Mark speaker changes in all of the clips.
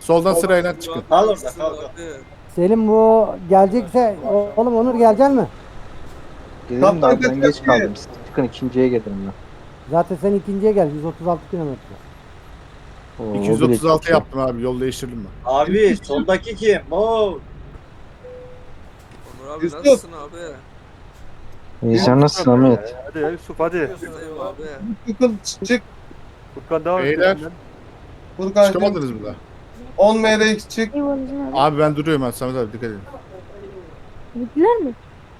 Speaker 1: Soldan sırayla çıkın.
Speaker 2: Kal orada kal kal.
Speaker 3: Selim bu gelecekse oğlum Onur gelecek mi?
Speaker 4: Gelirim de abi ben geç
Speaker 2: kaçıyor.
Speaker 4: kaldım. Siz çıkın ikinciye gelirim ben.
Speaker 3: Zaten sen ikinciye gel 136 kilometre.
Speaker 4: Oo, o bile
Speaker 1: 236
Speaker 4: çok iyi.
Speaker 1: yaptım abi. Yol değiştirdim ben.
Speaker 2: Abi soldaki kim? Oo.
Speaker 5: Onur abi
Speaker 2: Yusuf.
Speaker 5: nasılsın abi?
Speaker 4: İyi sen nasılsın Ahmet?
Speaker 6: Hadi ya Yusuf hadi.
Speaker 5: Buradayım abi.
Speaker 2: Çık.
Speaker 6: Furkan devam et.
Speaker 1: Beyler.
Speaker 6: peşinden.
Speaker 2: Furkan'cığım
Speaker 1: Çıkamadınız mı daha?
Speaker 2: 10 MRX çık.
Speaker 1: Abi ben duruyorum ben. Samet abi dikkat edin.
Speaker 7: Gittiler mi?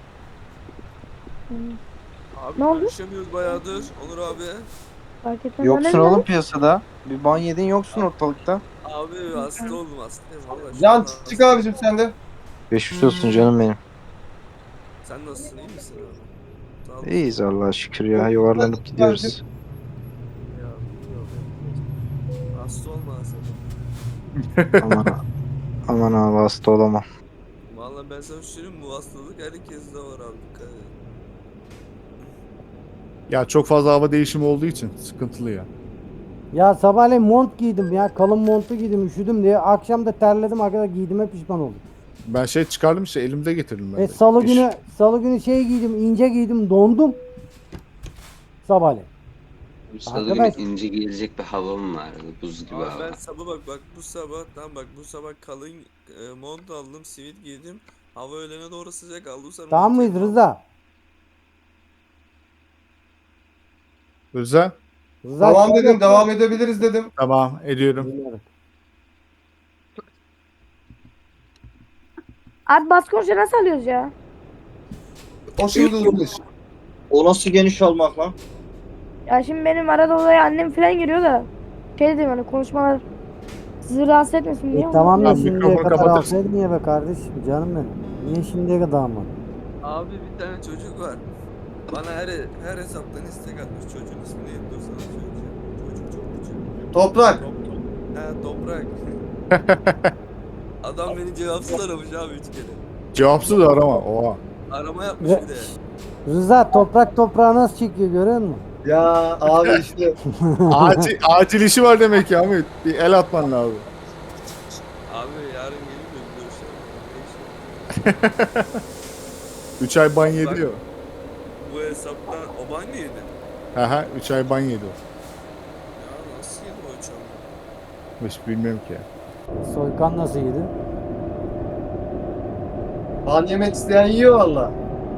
Speaker 5: Abi
Speaker 7: Ne oldu?
Speaker 5: görüşemiyoruz bayağıdır. Onur abi.
Speaker 7: Fark etmez.
Speaker 4: Yoksun oğlum piyasada. Bir ban yedin yoksun ortalıkta.
Speaker 5: Abi hasta oldum hastayım valla. şu
Speaker 2: Can
Speaker 5: anda
Speaker 2: çık
Speaker 5: hastayım.
Speaker 2: abicim sen de.
Speaker 4: Geçmiş olsun canım benim.
Speaker 5: Sen nasılsın iyi misin abi? Sağ ol.
Speaker 4: İyiyiz Allah'a şükür ya. Yuvarlanıp gidiyoruz.
Speaker 5: Ya, yok. Hasta olma sen.
Speaker 4: Aman, aman abi hasta olamam.
Speaker 5: Valla ben sana söyleyeyim bu hastalık herkeste var abi dikkat edin.
Speaker 1: Ya çok fazla hava değişimi olduğu için sıkıntılı ya.
Speaker 3: Ya sabahleyin mont giydim ya kalın montu giydim üşüdüm diye. Akşam da terledim arkadaşlar giydiğime pişman oldum.
Speaker 1: Ben şey çıkardım işte elimde getirdim ben de.
Speaker 3: Salı
Speaker 1: İş-
Speaker 3: günü şey giydim ince giydim dondum. Sabahleyin.
Speaker 8: Bu salı
Speaker 3: Arkadaş-
Speaker 8: günü ince gelecek bir havam vardı. Buz gibi
Speaker 5: Abi
Speaker 8: hava.
Speaker 5: ben sabah bak bu sabah tamam bak bu sabah kalın mont aldım sivit giydim. Hava öğlene doğru sıcak aldım sonra
Speaker 3: Tamam
Speaker 5: montu
Speaker 3: mıyız
Speaker 5: aldım.
Speaker 3: Rıza?
Speaker 1: Rıza.
Speaker 3: Rıza
Speaker 2: Tamam dedim devam edebiliriz dedim.
Speaker 1: Tamam ediyorum.
Speaker 3: Dinliyorum.
Speaker 7: Abi bas konuşa nasıl alıyoruz ya?
Speaker 2: O şimdi uzun iş.
Speaker 9: O nasıl geniş olmak lan?
Speaker 7: Ya şimdi benim arada odaya annem falan giriyor da. Şey dedim hani konuşmalar sizi rahatsız etmesin diye.
Speaker 3: Tamam da
Speaker 1: Tamam,
Speaker 3: şimdiye
Speaker 1: mikrofonu
Speaker 3: kadar
Speaker 1: kapatırsın.
Speaker 3: alsaydın ya be kardeşim canım benim. Niye şimdiye kadar almadın?
Speaker 5: Abi bir tane çocuk var. Bana her hesaptan istek atmış. Çocuğun ismi neydi? Dur sana söyleyeceğim. Çocuk çok küçük.
Speaker 2: Toprak.
Speaker 5: He toprak. Adam beni cevapsız aramış abi 3 kere.
Speaker 1: Cevapsız arama. Oha.
Speaker 5: Arama yapmış
Speaker 3: Ve-
Speaker 5: bir de.
Speaker 3: Rıza toprak toprağı nasıl çekiyor görüyor musun?
Speaker 2: Ya abi işte.
Speaker 1: Acil işi var demek ya Ahmet. Bir el atman lazım.
Speaker 5: Abi yarın gelip de bir görüşelim.
Speaker 1: 3 ay ban yedi ya.
Speaker 5: Bu hesaptan o ban yedi.
Speaker 1: Haha 3 ay ban yedi o.
Speaker 5: Ya nasıl yedi o uçağı?
Speaker 1: Hiç bilmiyorum ki ya.
Speaker 3: Soykan nasıl yedi?
Speaker 2: Ban yemek isteyen yiyor valla.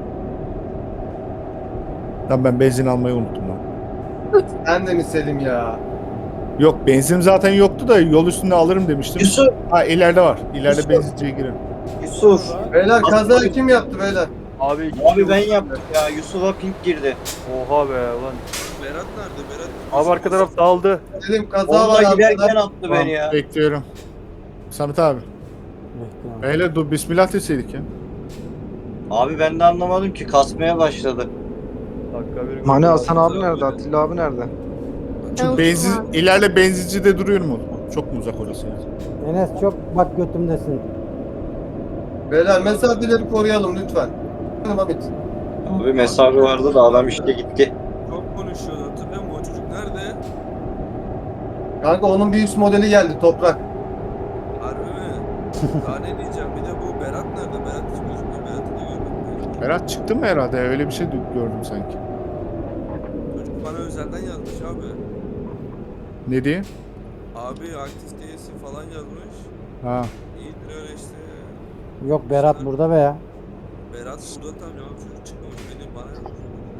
Speaker 1: Lan ben benzin almayı unuttum lan.
Speaker 2: Sen de mi Selim ya?
Speaker 1: Yok benzin zaten yoktu da yol üstünde alırım demiştim.
Speaker 9: Yusuf,
Speaker 1: Ha ileride var. İleride
Speaker 9: Yusuf.
Speaker 1: benzinciye girin.
Speaker 9: Yusuf.
Speaker 2: Beyler kazayı kim yaptı beyler?
Speaker 6: Abi iki
Speaker 9: Abi
Speaker 6: kişi
Speaker 9: ben
Speaker 6: vurdu.
Speaker 9: yaptım ya. Yusuf'a pink girdi.
Speaker 6: Oha be ulan.
Speaker 5: Berat nerede? Berat.
Speaker 6: Abi arka taraf dağıldı.
Speaker 2: Selim kaza var
Speaker 9: Onda giderken
Speaker 2: arkada.
Speaker 9: attı
Speaker 1: Tamam,
Speaker 9: beni ya.
Speaker 1: bekliyorum. Samet abi.
Speaker 3: Bekliyorum.
Speaker 1: Beyler dur bismillah deseydik ya.
Speaker 9: Abi ben de anlamadım ki kasmaya başladı.
Speaker 6: Dakika bir
Speaker 4: Hani Hasan abi nerede? Atilla abi nerede?
Speaker 1: Şu benzin, ileride benzincide duruyorum oğlum. Çok mu uzak orası ya?
Speaker 3: Enes çok bak götümdesin.
Speaker 2: Beyler mesafeleri koruyalım lütfen. Hamit.
Speaker 9: Abi mesafe vardı da adam işte gitti.
Speaker 5: Çok konuşuyordu hatırlıyor musun? O çocuk nerede?
Speaker 2: Kanka onun bir üst modeli geldi Toprak.
Speaker 5: Harbi mi? Daha ne diyeceğim? Bir de bu Berat nerede? Berat hiç gözükmüyor. Berat'ı da görmedim.
Speaker 1: Berat çıktı mı herhalde? Öyle bir şey gördüm sanki.
Speaker 5: Çocuk bana özelden yazmış abi.
Speaker 1: Ne diye?
Speaker 5: Abi aktif değilsin falan yazmış.
Speaker 1: Ha.
Speaker 5: İyidir öyle işte.
Speaker 3: Yok Berat burada be ya.
Speaker 5: Berat burada tam ya çocuk çıkmamış beni bana yazmış.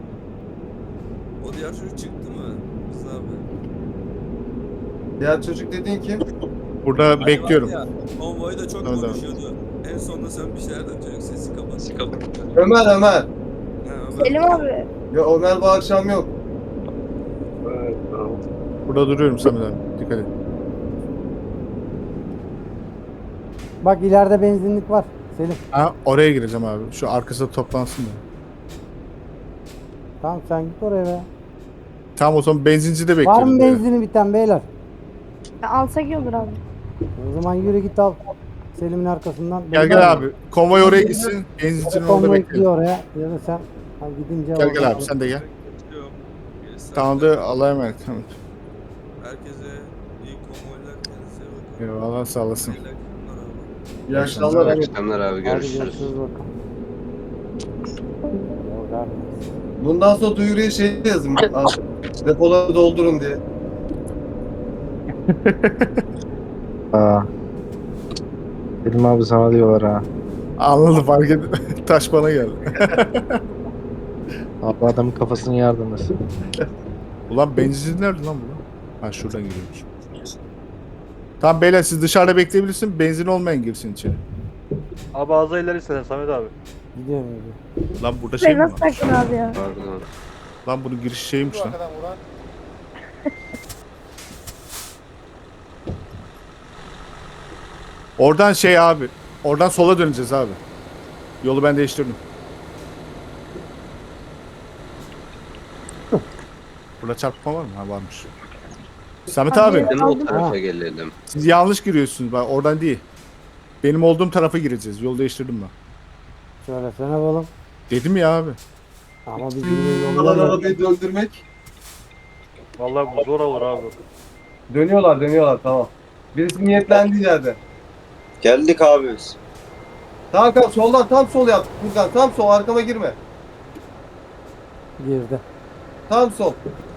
Speaker 5: O diğer çocuk çıktı mı? Biz abi.
Speaker 2: Diğer çocuk dediğin kim?
Speaker 1: Burada
Speaker 5: Hani
Speaker 1: bekliyorum.
Speaker 5: var ya, konvoyda çok
Speaker 1: Tamam, tamam.
Speaker 5: konuşuyordu. En sonunda sen bir şeyler de çocuk sesi kapat.
Speaker 2: Ömer.
Speaker 5: Ha, Ömer.
Speaker 7: Selim abi.
Speaker 2: Ya Ömer bu akşam yok.
Speaker 1: Burada duruyorum Samet abi. Dikkat et.
Speaker 3: Bak ileride benzinlik var. Selim.
Speaker 1: Ha oraya gireceğim abi. Şu arkasında toplansın da.
Speaker 3: Tamam sen git oraya be.
Speaker 1: Tamam o zaman benzincide
Speaker 3: Var
Speaker 1: bekliyorum.
Speaker 3: mı
Speaker 1: böyle.
Speaker 3: benzini biten beyler?
Speaker 7: Ya alsak iyi olur abi.
Speaker 3: O zaman yürü git al. Selim'in arkasından.
Speaker 1: Gel gel abi. Konvoy oraya gitsin. Benzincinin orada
Speaker 3: Konvoy
Speaker 1: bekleyelim.
Speaker 3: gidiyor oraya. Ya da sen ha, gidince
Speaker 1: Gel gel
Speaker 3: oradan
Speaker 1: abi sen de gel.
Speaker 5: Bekliyorum. Gerisi
Speaker 1: Tamam da Allah'a emanet. Tamam.
Speaker 5: Herkese iyi konvoylar kendinize bakın.
Speaker 1: Eyvallah sağ olasın.
Speaker 5: İyi akşamlar abi.
Speaker 2: İyi akşamlar
Speaker 8: İyi
Speaker 2: abi.
Speaker 8: akşamlar abi,
Speaker 3: Hadi
Speaker 8: görüşürüz.
Speaker 3: görüşürüz bakalım. Yol vermesin.
Speaker 2: Bundan sonra duyuruya şey yazın. Abi, depoları doldurun diye.
Speaker 4: Aa. Selim abi sana diyorlar ha.
Speaker 1: Anladım fark et. Taş bana geldi.
Speaker 4: Abi adamın kafasını yardımlasın.
Speaker 1: Ulan benzin nerede lan bu? Ha şuradan giriyormuş. Tamam beyler siz dışarıda bekleyebilirsin. Benzin olmayan girsin içeri.
Speaker 6: Abi ağza ileri istesen Samet abi.
Speaker 3: Gidiyorum gidiyorum.
Speaker 1: Lan burada şey
Speaker 7: Şey
Speaker 1: mi
Speaker 7: nasıl
Speaker 1: var?
Speaker 7: taktın abi ya?
Speaker 8: Pardon.
Speaker 1: Lan bunun giriş şeymiş lan. Oradan şey abi. Oradan sola döneceğiz abi. Yolu ben değiştirdim. Burada çarpma var mı? Ha varmış. Samet abi
Speaker 7: Abi.
Speaker 8: Değil mi o
Speaker 7: Aldım.
Speaker 8: tarafa
Speaker 3: Ha.
Speaker 8: gelelim?
Speaker 1: siz yanlış giriyorsunuz. Bak oradan değil. Benim olduğum tarafa gireceğiz. Yolu değiştirdim ben.
Speaker 3: Söylesene oğlum.
Speaker 1: Dedim ya abi.
Speaker 3: Ama biz yine
Speaker 2: Kalan
Speaker 3: yolda
Speaker 2: arabayı döndürmek.
Speaker 6: Vallahi bu zor olur abi.
Speaker 2: Dönüyorlar tamam. Birisi niyetlendiği yerde.
Speaker 9: Geldik abi biz.
Speaker 2: Tamam kanka soldan tam sol yap. Furkan tam sol arkama girme.
Speaker 3: girdi.
Speaker 2: Tam sol.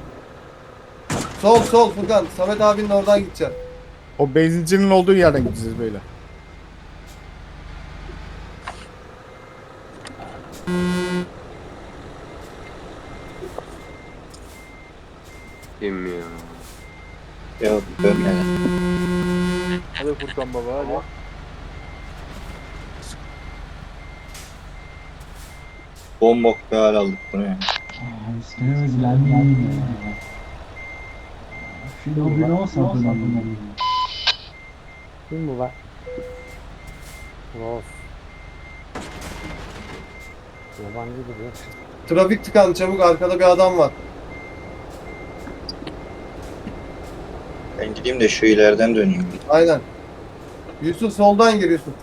Speaker 2: Sol Furkan. Samet abinin oradan gideceksin.
Speaker 1: O benzincinin olduğu yerden gideceğiz böyle.
Speaker 8: Kim ya?
Speaker 9: Ya dönme.
Speaker 6: Hadi Furkan baba hadi.
Speaker 9: Bombok bir hal aldık buraya.
Speaker 3: Kim bu lan? Ross. Yabancı gibi.
Speaker 2: Trafik tıkandı çabuk arkada bir adam var.
Speaker 9: Ben gideyim de şu ileriden döneyim.
Speaker 2: Aynen. Yusuf soldan gir Yusuf.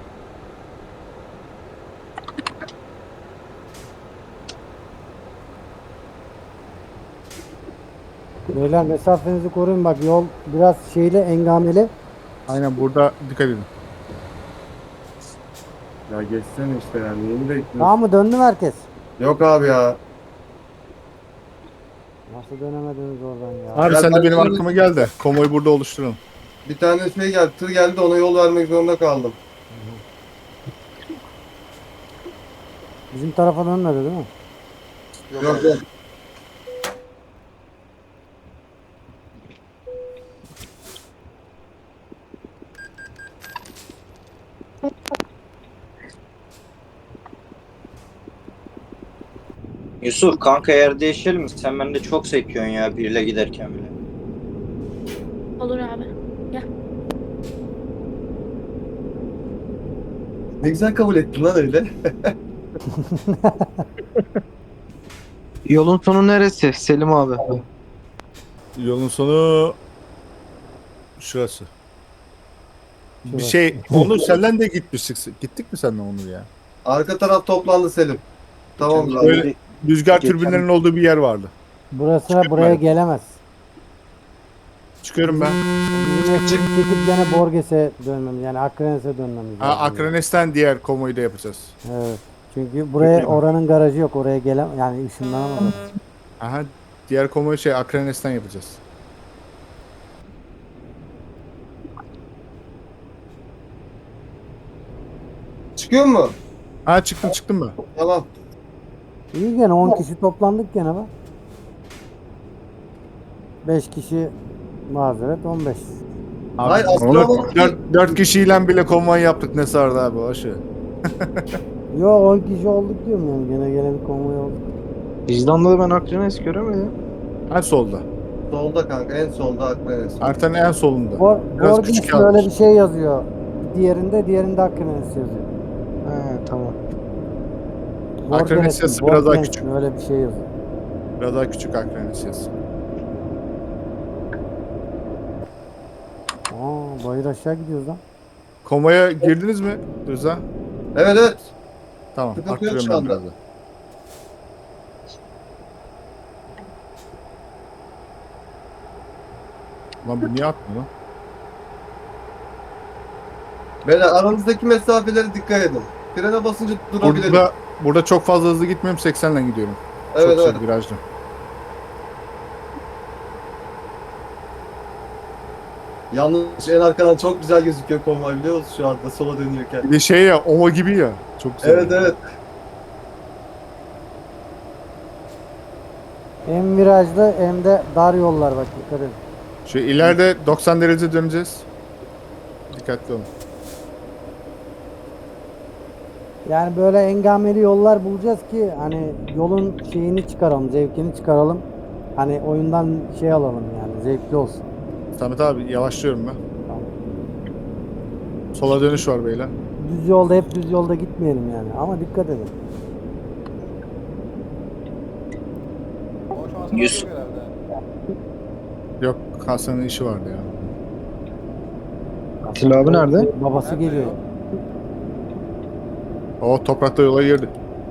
Speaker 3: Beyler mesafenizi koruyun bak yol biraz şeyli engameli.
Speaker 1: Aynen burada dikkat edin.
Speaker 2: Ya geçsene işte yani yeni bekliyorum.
Speaker 3: Tamam mı döndü mü herkes?
Speaker 2: Yok abi ya.
Speaker 3: Nasıl dönemediniz oradan ya?
Speaker 1: Abi
Speaker 2: Ya
Speaker 1: sen de
Speaker 2: ben
Speaker 1: benim
Speaker 2: şöyle-
Speaker 1: arkama gel de konvoyu burada oluşturalım.
Speaker 2: Bir tane şey geldi, tır geldi de ona yol vermek zorunda kaldım.
Speaker 3: Bizim tarafa dönmedi değil mi?
Speaker 2: Yok.
Speaker 9: Yusuf kanka yer değişelim mi? Sen bende çok sekiyorsun ya biriyle giderken bile.
Speaker 7: Olur abi.
Speaker 2: Ne güzel kabul ettin lan öyle.
Speaker 4: Yolun sonu neresi Selim abi?
Speaker 1: Yolun sonu şurası. Bir
Speaker 3: Şurası.
Speaker 1: şey Onur senden de gitmiştik. Gittik mi senden Onur ya?
Speaker 2: Arka taraf toplandı Selim. Tamam abi.
Speaker 1: Böyle rüzgar
Speaker 4: Geçen-
Speaker 1: türbinlerinin olduğu bir yer vardı.
Speaker 3: Burası buraya gelemez.
Speaker 1: Çıkıyorum ben.
Speaker 3: Bizim ekip çekip gene Borges'e dönmemiz yani Akrenes'e dönmemiz
Speaker 1: Ha,
Speaker 3: lazım.
Speaker 1: Akranes'ten diğer konvoyu da yapacağız.
Speaker 3: Evet. Çünkü buraya oranın garajı yok. Oraya gelem yani ışınlanamaz.
Speaker 1: Aha diğer konvoyu şey Akranes'ten yapacağız.
Speaker 2: Çıkıyor mu?
Speaker 1: Ha çıktım ben.
Speaker 2: Tamam.
Speaker 3: İyi gene 10 kişi toplandık gene bak. 5 kişi mazeret 15.
Speaker 2: Hayır,
Speaker 1: Abi,
Speaker 2: aslında
Speaker 1: Onur,
Speaker 2: ama-
Speaker 1: 4 kişiyle bile konvoy yaptık ne sardı abi o şey.
Speaker 3: Yo 10 kişi olduk diyorum yani gene bir konvoy olduk.
Speaker 4: Vicdan'da da ben Akrenes göremedim.
Speaker 1: Ha solda.
Speaker 2: Solda kanka en solda Akdeniz.
Speaker 1: Haritanın en solunda. Biraz küçük
Speaker 3: Borges'te
Speaker 1: yazmış.
Speaker 3: öyle bir şey yazıyor. Diğerinde Akrenes yazıyor.
Speaker 4: He tamam.
Speaker 1: Akrenes
Speaker 3: Borges'in,
Speaker 1: yazısı biraz daha
Speaker 3: Borges'in
Speaker 1: küçük.
Speaker 3: öyle bir şey yazıyor.
Speaker 1: Biraz daha küçük Akranes yazısı.
Speaker 3: Aa bayır aşağı gidiyoruz lan.
Speaker 1: Konvoya girdiniz mi Rıza?
Speaker 2: Evet.
Speaker 1: Tamam.
Speaker 2: Sıkıntı yok
Speaker 1: Arttırıyorum
Speaker 2: şu
Speaker 1: ben
Speaker 2: anda.
Speaker 1: biraz da. Lan bu niye atmıyor lan?
Speaker 2: Böyle aranızdaki mesafelere dikkat edin. Frene basınca durabilirim.
Speaker 1: Burada çok fazla hızlı gitmiyorum. 80 ile gidiyorum.
Speaker 2: Evet
Speaker 1: çok
Speaker 2: evet.
Speaker 1: virajlı.
Speaker 2: Yalnız en arkadan çok güzel gözüküyor konvoy biliyor musun şu anda sola dönüyorken.
Speaker 1: Bir de şey ya, ova gibi ya. Çok güzel.
Speaker 2: Evet evet.
Speaker 3: Hem virajlı hem de dar yollar bak dikkat edin.
Speaker 1: Şu ileride 90 derece döneceğiz. Dikkatli olun.
Speaker 3: Yani böyle engameli yollar bulacağız ki hani yolun şeyini çıkaralım, zevkini çıkaralım. Hani oyundan şey alalım yani zevkli olsun.
Speaker 1: Samet abi yavaşlıyorum ben.
Speaker 3: Tamam.
Speaker 1: Sola dönüş var beyler.
Speaker 3: Düz yolda hep düz yolda gitmeyelim yani ama dikkat edin.
Speaker 9: Yüz.
Speaker 1: Yok, Hasan'ın işi vardı ya.
Speaker 4: Atilla abi nerede?
Speaker 3: Babası geliyor.
Speaker 1: O toprakta yola girdi.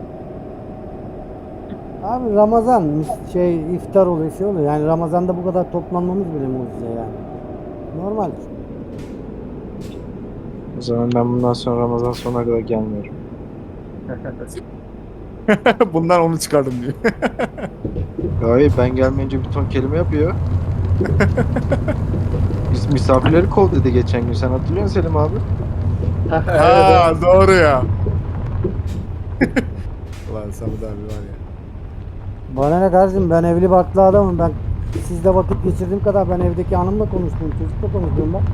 Speaker 3: Abi Ramazan şey iftar oluyor şey oluyor. Yani Ramazan'da bu kadar toplanmamız bile mucize yani. Normal.
Speaker 4: O zaman ben bundan sonra Ramazan sonuna kadar gelmiyorum.
Speaker 1: Bundan onu çıkardım diyor.
Speaker 4: Hayır ben gelmeyince bir ton kelime yapıyor. Biz misafirleri kov dedi geçen gün. Sen hatırlıyor musun Selim abi?
Speaker 1: Ha doğru ya. Ulan Samet abi var ya.
Speaker 3: Bana ne kardeşim ben evli barklı adamım. Ben sizle vakit geçirdiğim kadar ben evdeki hanımla konuştum. Çocukla konuşuyorum ben.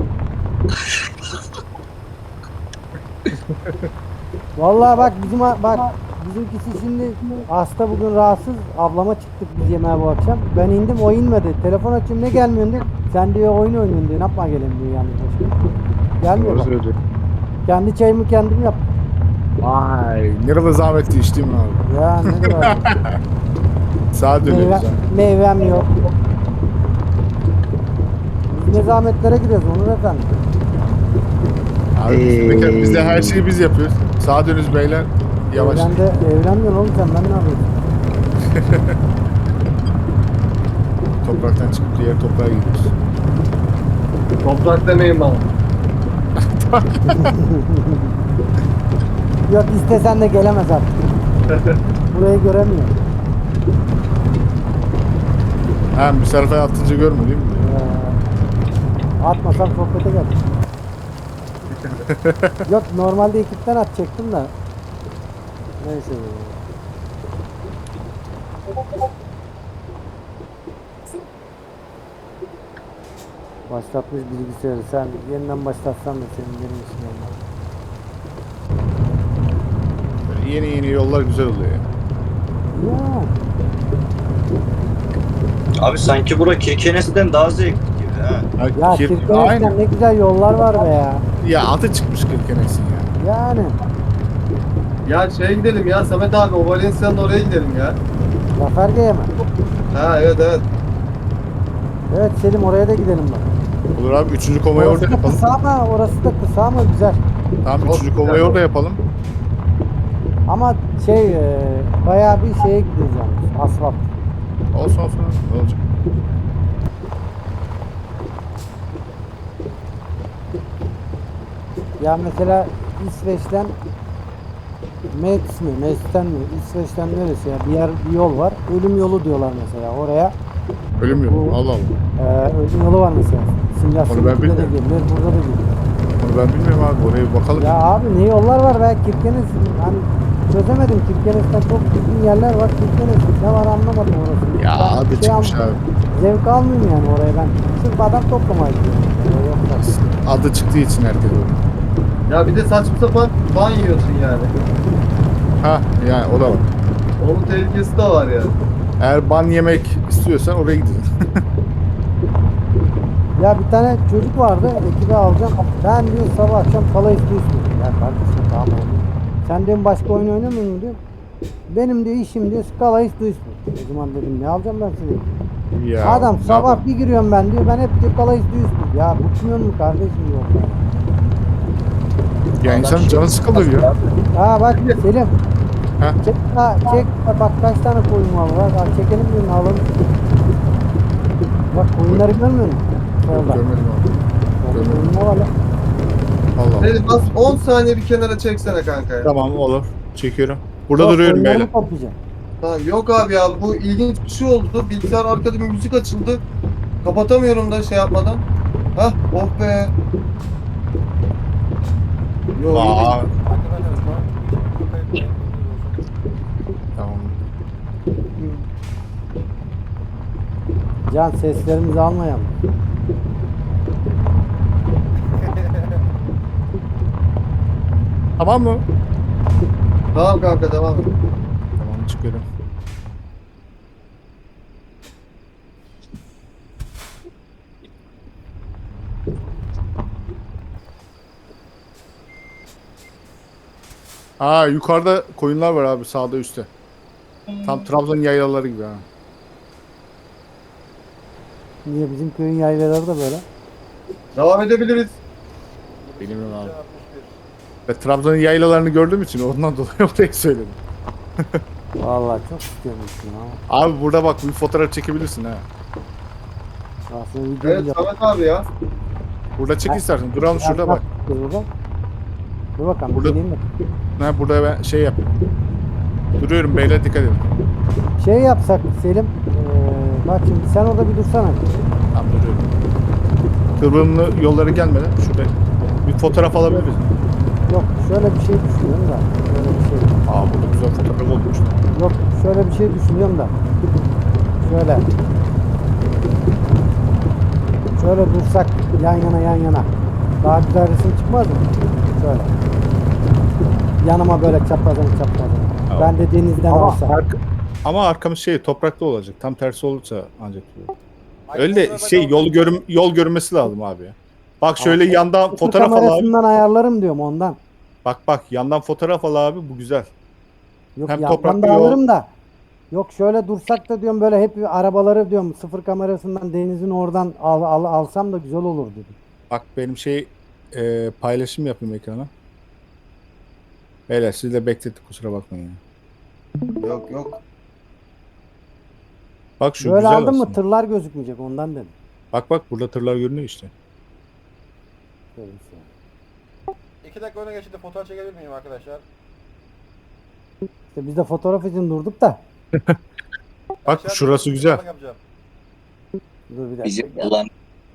Speaker 3: Vallahi bak bizimkisi şimdi hasta bugün rahatsız. Ablama çıktık biz yemeğe bu akşam. Ben indim o inmedi. Telefon açayım ne gelmiyorsun diyor. Sen diyor oyun oynuyorsun diyor. Ne yapma gelin diyor yani. Gelmiyor
Speaker 4: Doğru
Speaker 3: bak.
Speaker 4: söylüyor.
Speaker 3: Kendi çayımı kendim yaptım.
Speaker 1: Vay, nerede zahmetli içtiğim abi.
Speaker 3: Ya ne kadar.
Speaker 1: Sağa dönüyoruz ha.
Speaker 3: Meyvem yok. Biz ne zahmetlere giriyoruz Onur efendi.
Speaker 1: Abi biz de her şeyi biz yapıyoruz. Sağa dönüyoruz beyler. Yavaş.
Speaker 3: Evlenmiyorsun oğlum sen ben ne yapayım?
Speaker 1: Topraktan çıkıp diğer toprağa gidiyoruz.
Speaker 2: Toprak demeyin bana.
Speaker 3: Yok istesen de gelemez artık. Burayı göremiyor.
Speaker 1: Ha misafir atınca görmüyor değil mi?
Speaker 3: Atmasam sohbete gel. Yok normalde ekipten atacaktım da. Neyse. Başlatmış bilgisayarı. Sen yeniden başlatsan da senin benim için olmaz.
Speaker 1: Böyle yeni yollar güzel oluyor ya.
Speaker 3: Ya.
Speaker 9: Abi sanki bura Kirkenes'ten daha zevkli gibi ha.
Speaker 3: Ya
Speaker 1: Aynen.
Speaker 3: Kirkenes'ten ne güzel yollar var be ya.
Speaker 1: Ya atı çıkmış Kirkenes'in ya.
Speaker 3: Yani.
Speaker 2: Ya şeye gidelim ya Samet abi o Valencia'nın oraya gidelim ya.
Speaker 3: Zaferge'ye mi?
Speaker 2: Ha evet evet.
Speaker 3: Evet Selim oraya da gidelim bak.
Speaker 1: Olur abi 3. komayı
Speaker 3: Orası
Speaker 1: orada
Speaker 3: da
Speaker 1: yapalım.
Speaker 3: kısa ama orası da kısa ama güzel.
Speaker 1: Tamam 3. komayı orada yapalım.
Speaker 3: Ama bayağı bir şeye gidiyoruz yani. Asfalt.
Speaker 1: Olsun olsun. Ne olacak?
Speaker 3: Ya mesela İsveç'ten Meks'ten mi? İsveç'ten neresi ya? Bir yol var. Ölüm yolu diyorlar mesela oraya.
Speaker 1: Ölüm yok.
Speaker 3: Bu-
Speaker 1: Allah Allah.
Speaker 3: Ölüm yolu var mesela. Simülasyon
Speaker 1: Onu ben
Speaker 3: 2'de de
Speaker 1: bilmiyorum.
Speaker 3: geliyor. Burada da geliyor.
Speaker 1: Onu ben bilmiyorum abi. Oraya bir bakalım.
Speaker 3: Ya abi ne yollar var be Kirkenes. Hani çözemedim. Kirkenes'ten çok düzgün yerler var. Kirkenes ne var anlamadım orası.
Speaker 1: Ya
Speaker 3: Ben
Speaker 1: adı çıkmış
Speaker 3: almıyorum.
Speaker 1: abi.
Speaker 3: Zevk almıyorum yani oraya ben. Sırf adam toplamaya gidiyorum. Yoksa.
Speaker 1: Adı çıktığı için herkes orada.
Speaker 2: Ya bir de saçma sapan ban yiyorsun yani.
Speaker 1: Ha yani o da var.
Speaker 2: Onun tehlikesi de var yani.
Speaker 1: Eğer ban yemek istiyorsan oraya gidiyorsun.
Speaker 3: Ya bir tane çocuk vardı, ekibe alacağım. Ben diyor sabah akşam kala istiyorsun. Ya kardeşim tamam oğlum. Sen diyorum başka oyun oynamıyor musun diyor. Benim diyor işim diyor skala istiyorsun. O zaman dedim ne alacağım ben seni?
Speaker 1: Ya,
Speaker 3: Adam
Speaker 1: ne
Speaker 3: sabah
Speaker 1: yapalım?
Speaker 3: bir giriyorum ben diyor. Ben hep diyor kala istiyorsun. Ya bıkmıyor mu kardeşim diyor.
Speaker 1: Ya insanın canı sıkılır ya.
Speaker 3: Ha bak Selim.
Speaker 1: Ha?
Speaker 3: Çek bak kaç tane koyun var. Bak çekelim birini alalım. Bak koyunları görmüyor musun? Orada.
Speaker 1: Görmedim abi. Görmedim.
Speaker 3: Koyun ne var lan?
Speaker 1: Allah Eyvallah.
Speaker 2: Beni bas 10 saniye bir kenara çeksene kanka ya.
Speaker 1: Tamam olur. Çekiyorum. Burada
Speaker 3: Yok,
Speaker 1: duruyorum
Speaker 3: oyunlarımı
Speaker 1: beyler.
Speaker 3: toplayacağım.
Speaker 2: Ha, yok abi ya bu ilginç bir şey oldu. Bilgisayar arkada bir müzik açıldı. Kapatamıyorum da şey yapmadan. Hah oh be. Yo,
Speaker 1: Aa,
Speaker 6: Arkadaşlar şu an video kayıttayım.
Speaker 1: tamam.
Speaker 3: Can seslerimizi almayalım.
Speaker 1: Tamam mı?
Speaker 2: tamam kanka devam et.
Speaker 1: Tamam çıkıyorum. Aa yukarıda koyunlar var abi sağda üstte. Tam Trabzon yaylaları gibi ha.
Speaker 3: Niye bizim köyün yaylaları da böyle?
Speaker 2: Devam edebiliriz.
Speaker 1: Bilmiyorum abi.
Speaker 6: 61.
Speaker 1: Ve Trabzon'un yaylalarını gördüğüm için ondan dolayı orayı söyledim.
Speaker 3: Vallahi çok istiyormuşsun ama.
Speaker 1: Abi burada bak bir fotoğraf çekebilirsin ha.
Speaker 3: Aslında video
Speaker 2: Evet
Speaker 3: bile-
Speaker 2: Samet abi ya.
Speaker 1: Burada çek istersen. Duralım şurada bak.
Speaker 3: Burada. Dur bakalım.
Speaker 1: Burada-
Speaker 3: Geleyim mi?
Speaker 1: Ha, burada ben şey yap. Duruyorum beyler dikkat edin.
Speaker 3: Şey yapsak Selim. Bak şimdi sen orada bir dursana.
Speaker 1: Tamam duruyorum. Kıvrımlı yolları gelmeden şurada bir fotoğraf alabiliriz.
Speaker 3: Yok şöyle bir şey düşünüyorum da. Şöyle bir şey.
Speaker 1: Aa burada güzel fotoğraf olmuş.
Speaker 3: Yok şöyle bir şey düşünüyorum da. Şöyle. Şöyle dursak yan yana. Daha güzel resim çıkmaz mı? Şöyle. Yanıma böyle çaprazan.
Speaker 1: Tamam.
Speaker 3: Ben de denizden
Speaker 1: Ama,
Speaker 3: olsa.
Speaker 1: ama arkamız şey topraklı olacak. Tam tersi olursa ancak. Öyle de şey yol görmesi lazım abi ya. Bak şöyle
Speaker 3: Ama-
Speaker 1: yandan fotoğraf al abi.
Speaker 3: Kamerasından ayarlarım diyorum ondan.
Speaker 1: Bak yandan fotoğraf al abi bu güzel.
Speaker 3: Yok
Speaker 1: Hem
Speaker 3: yandan
Speaker 1: topraklı
Speaker 3: da
Speaker 1: yol-
Speaker 3: alırım da. Yok şöyle dursak da diyorum böyle hep arabaları diyorum sıfır kamerasından denizin oradan alsam da güzel olur dedim.
Speaker 1: Bak benim şey paylaşım yapayım ekrana. Beyler sizi de beklettik kusura bakmayın. Ya.
Speaker 2: Yok.
Speaker 1: Bak şu
Speaker 3: Böyle
Speaker 1: güzel
Speaker 3: aldın mı
Speaker 1: aslında.
Speaker 3: tırlar gözükmeyecek ondan dedim.
Speaker 1: Bak burada tırlar görünüyor işte.
Speaker 3: Şöyle bir şey.
Speaker 6: 2 dakika öne geçti, fotoğraf çekebilir miyim arkadaşlar?
Speaker 3: İşte biz de fotoğraf için durduk da.
Speaker 1: Bak
Speaker 6: Aşağıda
Speaker 1: şurası
Speaker 6: bir
Speaker 1: güzel.
Speaker 6: fotoğraf yapacağım.
Speaker 3: Dur bir dakika.
Speaker 9: Bizim olan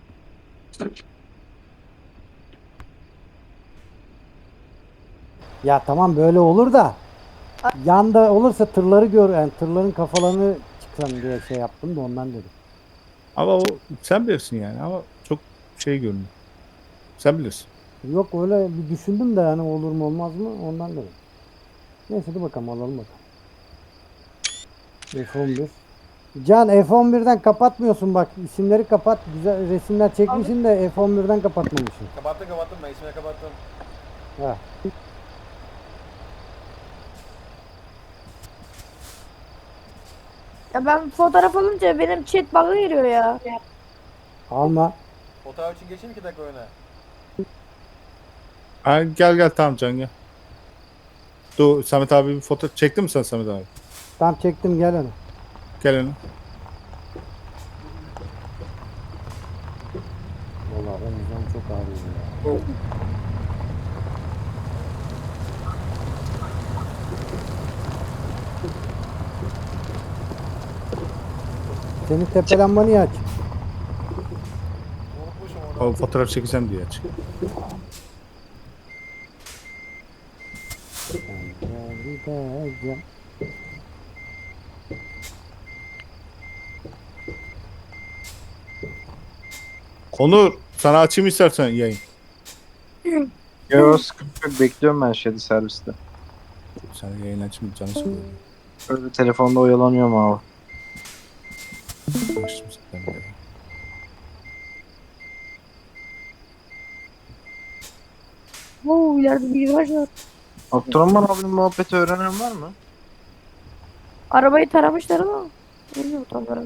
Speaker 3: Ya tamam böyle olur da. Yanda olursa tırları yani tırların kafalarını çıksam diye şey yaptım da ondan dedim.
Speaker 1: Ama o sen bilirsin yani ama çok şey görünüyor. Sen bilirsin.
Speaker 3: Yok öyle bir düşündüm de yani olur mu olmaz mı ondan dedim. Neyse dur bakalım alalım bakalım. F11. Can F11'den kapatmıyorsun bak isimleri kapat. Güzel resimler çekmişsin de F11'den kapatmamışsın.
Speaker 6: Kapattım ben ismini kapattım.
Speaker 3: Ha.
Speaker 7: Ya ben fotoğraf alınca benim chat bug'a giriyor ya.
Speaker 3: Alma.
Speaker 6: Fotoğraf için geçeyim 2 dakika öne.
Speaker 1: Ha, gel tamam Can gel. Dur Samet abi bir foto çektin mi sen Samet abi?
Speaker 3: Tam çektim gel onu.
Speaker 1: Gel öne.
Speaker 3: Vallahi omuzum çok ağrıyor ya. Senin tepe lamba niye açık?
Speaker 6: Unutmuşum onu.
Speaker 1: O fotoğraf çekeceğim diye açık.
Speaker 3: Gideceğim.
Speaker 1: Onur sana açayım istersen yayın.
Speaker 4: Yo sıkıntı yok. Bekliyorum ben şeyde serviste.
Speaker 1: Sen yayın açayım canı sıkılıyor.
Speaker 4: Öyle telefonda oyalanıyorum abi.
Speaker 1: Açtım zaten böyle.
Speaker 7: Oo ileride bir viraj var.
Speaker 4: Abdurrahman abinin muhabbeti öğrenen var mı?
Speaker 7: Arabayı taramışlar ama. Bilmiyorum tam olarak.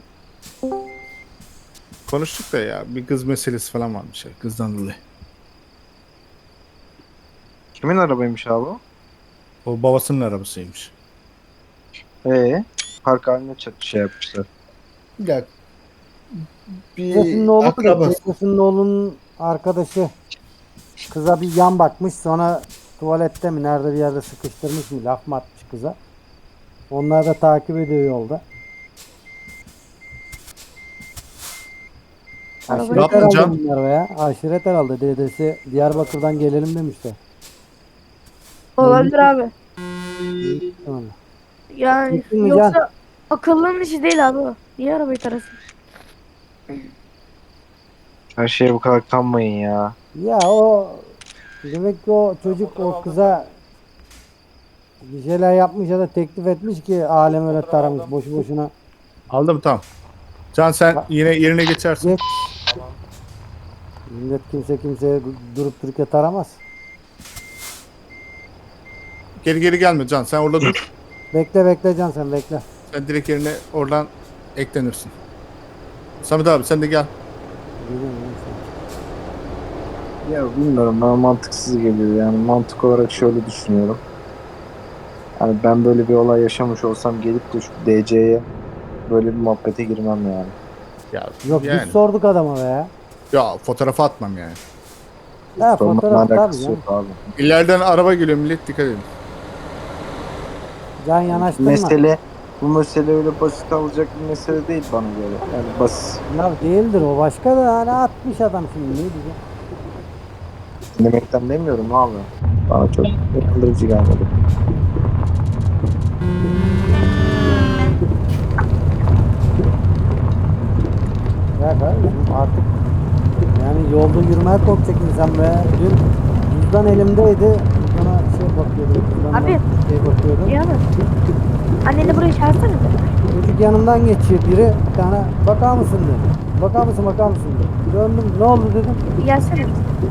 Speaker 1: Konuştuk da ya bir kız meselesi falan varmış ya kızdan dolayı.
Speaker 4: Kimin arabaymış abi o?
Speaker 1: O babasının arabasıymış.
Speaker 4: Park haline şey yapmışlar.
Speaker 1: Ya
Speaker 3: Teyzesinin oğlu da teyzesinin oğlunun arkadaşı. kıza bir yan bakmış, sonra tuvalette mi nerede bir yerde sıkıştırmış mı, laf mı atmış kıza. Onlar da takip ediyor yolda.
Speaker 7: Arabayı-
Speaker 3: Aşiret
Speaker 1: Ne yaptın
Speaker 3: herhalde
Speaker 1: Can?
Speaker 3: bunlar ya. Aşiret herhalde, dedesi Diyarbakır'dan gelelim demişler.
Speaker 7: Olabilir abi.
Speaker 3: Tamam.
Speaker 7: Yani
Speaker 3: Gittin mi
Speaker 7: yoksa akıllının işi değil abi o. Niye arabayı tarasın?
Speaker 4: Her şeye bu kadar kanmayın ya.
Speaker 3: Ya o demek ki o çocuk o kıza bir şeyler yapmış ya da teklif etmiş ki alem öyle taramış boşu boşuna.
Speaker 1: Aldım tamam. Can sen yine yerine geçersin.
Speaker 3: Geç. Millet kimseye durup dururken taramaz.
Speaker 1: Geri gelme Can, sen orada dur.
Speaker 3: Bekle Can, sen bekle.
Speaker 1: Sen direkt yerine oradan eklenirsin. Samet abi sen de gel.
Speaker 3: Geliyorum ben sana.
Speaker 4: Ya bilmiyorum, bana mantıksız geliyor yani. Mantık olarak şöyle düşünüyorum. Yani ben böyle bir olay yaşamış olsam gelip de şu DC'ye böyle bir muhabbete girmem yani.
Speaker 1: Ya,
Speaker 3: Yok
Speaker 1: yani.
Speaker 3: biz sorduk adama be ya.
Speaker 1: Ya fotoğrafı atmam yani.
Speaker 3: Ha
Speaker 4: Sorunla
Speaker 3: fotoğraf tabii
Speaker 4: alakası
Speaker 3: ya.
Speaker 4: yok abi.
Speaker 1: İleriden araba geliyor millet, dikkat edin.
Speaker 3: Can yanaştırma.
Speaker 4: Bu mesele öyle basit alacak bir mesele değil bana göre. Yani basit.
Speaker 3: Ya değildir o, başka da hani atmış adam şimdi, ne diyeceğim.
Speaker 4: Dinlemekten demiyorum abi. Bana çok inandırıcı gelmedi.
Speaker 3: Ya kardeşim artık yani yolda yürümeye korkacak insan be. Dün cüzdan elimdeydi. Cüzdana şey bakıyordum. Cüzdandan
Speaker 7: Abi.
Speaker 3: şey bakıyordum.
Speaker 7: İyi abi. Anneni buraya çağırsana.
Speaker 3: Çocuk yanımdan geçiyor biri. Bir tane bakar mısın dedi. Bakar mısın dedi. Döndüm, ne oldu dedim.
Speaker 7: Bir gelsene.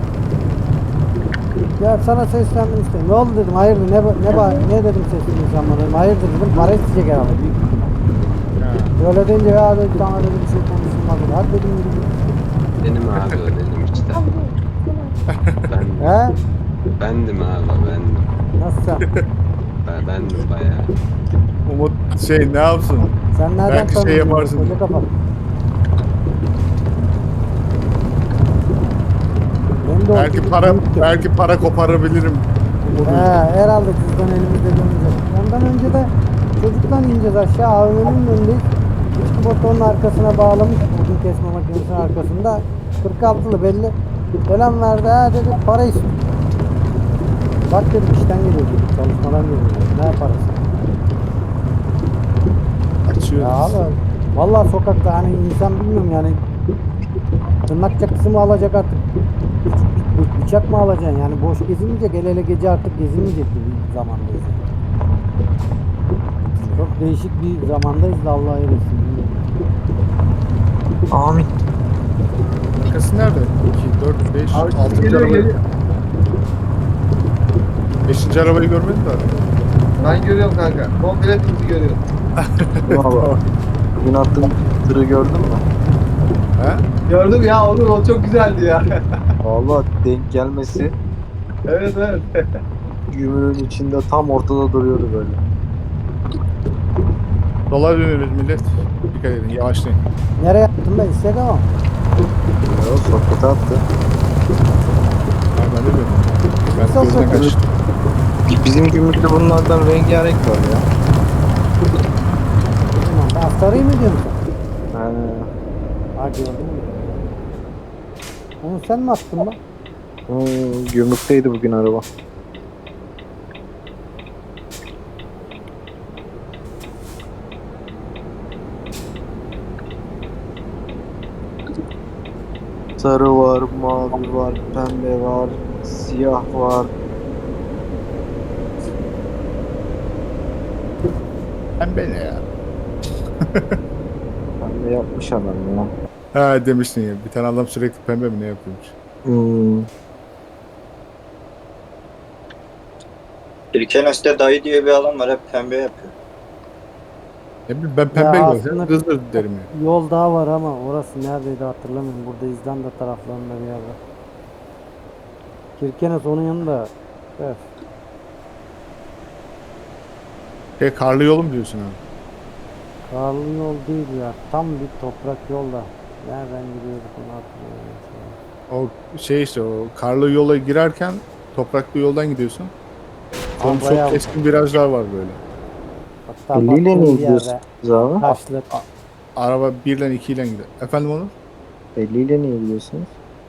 Speaker 3: Ya sana seslendim işte. Ne oldu dedim. Hayırdır ne dedim seslendim bana dedim. Hayırdır dedim. Para isteyecek herhalde. Büyük ihtimal. Öyle deyince ya dedi, sana dedi bir şey konuşulmaz dedi. Hadi dedim yürü.
Speaker 8: Benim abi o dedim işte. Ben,
Speaker 3: He?
Speaker 8: bendim abi bendim.
Speaker 3: Nasıl sen?
Speaker 8: Bendim bayağı.
Speaker 1: Umut ne yapsın?
Speaker 3: Sen nereden
Speaker 1: Belki şey
Speaker 3: tanıyorsun?
Speaker 1: yaparsın.
Speaker 3: Koca kafa. Benim de o
Speaker 1: Belki
Speaker 3: çocuk
Speaker 1: para
Speaker 3: büyüktü.
Speaker 1: belki para koparabilirim.
Speaker 3: Herhalde cüzdan elimizde dönünce. Ondan önce de çocuktan ineceğiz aşağı, AVM'nin önündeyiz. Üstü motorun arkasına bağlamış, odun kesme makinesinin arkasında. 46'lı belli. Selam verdi, ha dedi, para istiyor. Bak dedim, işten geliyor dedim, çalışmadan geliyor dedim. Ne parası?
Speaker 1: Açıyoruz.
Speaker 3: Ya abi, vallahi sokakta hani insan bilmiyorum yani, tırnak çakısı mı alacak artık, bıçak mı alacaksın yani, boş gezilmeyecek, hele gece artık gezilmeyecek bir zamandayız. Çok değişik bir zamandayız da Allah'a eylesin.
Speaker 4: Amin.
Speaker 1: Arkası nerede? 2, 4, 5,
Speaker 2: Abi
Speaker 1: 6.
Speaker 2: geliyor,
Speaker 1: arabayı.
Speaker 2: geliyor.
Speaker 1: 5. arabayı görmedin mi abi?
Speaker 2: Ben görüyorum kanka. Komple bizi görüyorum.
Speaker 4: Valla. Bugün attığın tırı gördün mü?
Speaker 1: He?
Speaker 2: Gördüm ya onu, o çok güzeldi ya.
Speaker 4: Valla denk gelmesi
Speaker 2: Evet.
Speaker 4: gümrüğün içinde tam ortada duruyordu böyle.
Speaker 1: Dolar dönüyoruz millet. Dikkat edin, yavaşlayın.
Speaker 3: Nereye attın ben? Instagram'a mı?
Speaker 4: Ya sohbete attı.
Speaker 1: Ben de bilmiyorum. Ben
Speaker 3: Çok
Speaker 1: gözden
Speaker 3: kötü.
Speaker 1: kaçtım.
Speaker 4: Bizim gümrükte bunlardan rengarenk var ya.
Speaker 3: Tamam, astarayı mı diyorsun sen?
Speaker 4: Ha,
Speaker 3: Ha gördün mü? Onu sen mi attın lan?
Speaker 4: gümrükteydi bugün araba. Sarı var, mavi var, pembe var, siyah var.
Speaker 1: Pembe ne ya?
Speaker 4: Pembe yapmış adam ya.
Speaker 1: Ha demiştin ya. Bir tane adam sürekli pembe mi ne yapıyormuş?
Speaker 9: Kirkenes'te dayı diye bir adam var, hep pembe yapıyor.
Speaker 1: Ne bileyim ben pembe
Speaker 3: Ya
Speaker 1: görsem
Speaker 3: aslında-
Speaker 1: kızdır derim ya.
Speaker 3: Yol daha var ama orası neredeydi hatırlamıyorum. Burada İzlanda taraflarında bir yerde. Kirkenes onun yanında. Evet.
Speaker 1: Karlı yolum diyorsun abi.
Speaker 3: Karlı yol değil ya. Tam bir toprak yolda. Nereden gidiyorduk onu hatırlamıyorum. Şu an.
Speaker 1: O şey işte o karlı yola girerken topraklı yoldan gidiyorsun. Sonra
Speaker 3: Abi
Speaker 1: çok
Speaker 3: bayağı
Speaker 1: keskin virajlar var böyle.
Speaker 3: Hatta
Speaker 4: 50 ile
Speaker 3: baktığım
Speaker 4: ne
Speaker 3: bir yerde
Speaker 4: gidiyorsunuz abi?
Speaker 3: taşlı.
Speaker 1: Araba 1 ile 2 ile gidiyor. Efendim onu?
Speaker 4: 50 ile niye gidiyorsunuz?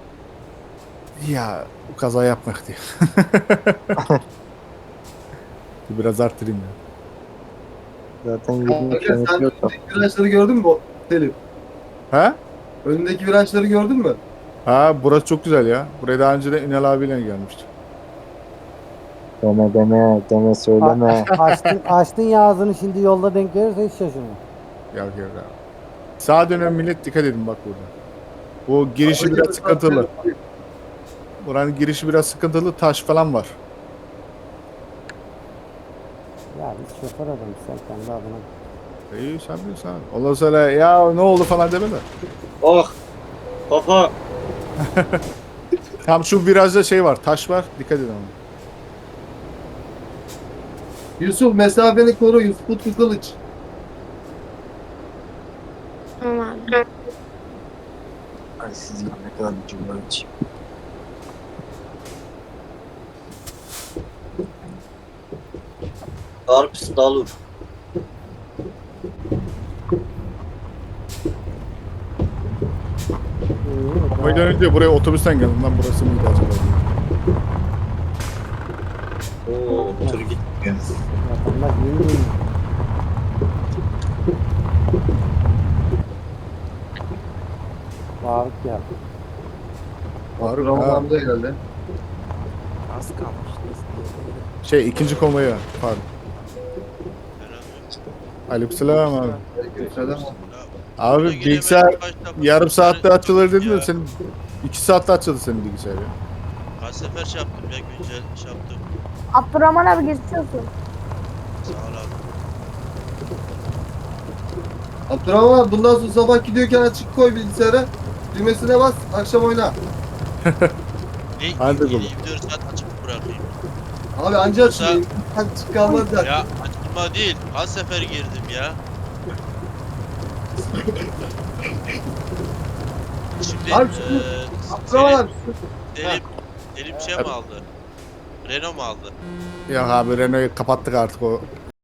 Speaker 1: Ya kaza yapmak diye. Biraz arttırayım ya.
Speaker 4: Zaten 20
Speaker 2: Kanka sen
Speaker 4: kilometre yok.
Speaker 2: önündeki virajları gördün mü Selim?
Speaker 1: Ha?
Speaker 2: Önündeki virajları gördün mü?
Speaker 1: Ha burası çok güzel ya. Buraya daha önce de Ünal abiyle gelmiştim.
Speaker 4: Deme söyleme.
Speaker 3: Açtın ya ağzını, şimdi yolda denk gelirse hiç şaşırma.
Speaker 1: Yok yok abi. Sağa dönen millet dikkat edin bak burada. Bu girişi biraz sıkıntılı. Buranın girişi biraz sıkıntılı. Taş falan var.
Speaker 3: Ya biz şoför adamız, sen kendi adına.
Speaker 1: İyi sen bilirsin abi. Ondan sonra ya ne oldu falan deme de.
Speaker 9: Oh. Kafa.
Speaker 1: Tam şu virajda şey var. Taş var. Dikkat edin ona.
Speaker 2: Yusuf mesafeni koru Yusuf Utku Kılıç.
Speaker 7: Tamam abi.
Speaker 4: Ay siz ne kadar bir cümle için.
Speaker 9: Darps dalur.
Speaker 1: Koydan önce buraya otobüsten geldim lan, burası mıydı acaba?
Speaker 9: Oo, tır gitmiyor.
Speaker 3: Vatandaş yeni değil. Faruk ya.
Speaker 1: Faruk
Speaker 2: Ramazan
Speaker 1: ha.
Speaker 2: amca geldi.
Speaker 5: Az kalmıştı.
Speaker 1: Şey ikinci konvoya Faruk. Aleykümselam abi.
Speaker 2: Aleykümselam.
Speaker 1: Abi bilgisayar yarım saatte açılır dedim de senin 2 saatte açıldı senin bilgisayar ya.
Speaker 10: Kaç sefer şey yaptım ya, güncel şey yaptım.
Speaker 7: Abdurrahman abi geçmiş olsun.
Speaker 10: Sağ ol abi.
Speaker 2: Abdurrahman abi, bundan sonra sabah gidiyorken açık koy bilgisayara. Düğmesine bas, akşam oyna.
Speaker 10: Ne?
Speaker 1: Hadi oğlum.
Speaker 10: 24 saat açık bırakayım.
Speaker 2: Abi anca açılıyor. Açık kalmaz zaten.
Speaker 10: Ya açılma değil. Kaç sefer girdim ya. Şimdi
Speaker 2: Abi şimdi Abdurrahman abi.
Speaker 10: Selim şey mi aldı? Renault mu aldı?
Speaker 1: Ya abi Renault'u kapattık artık, o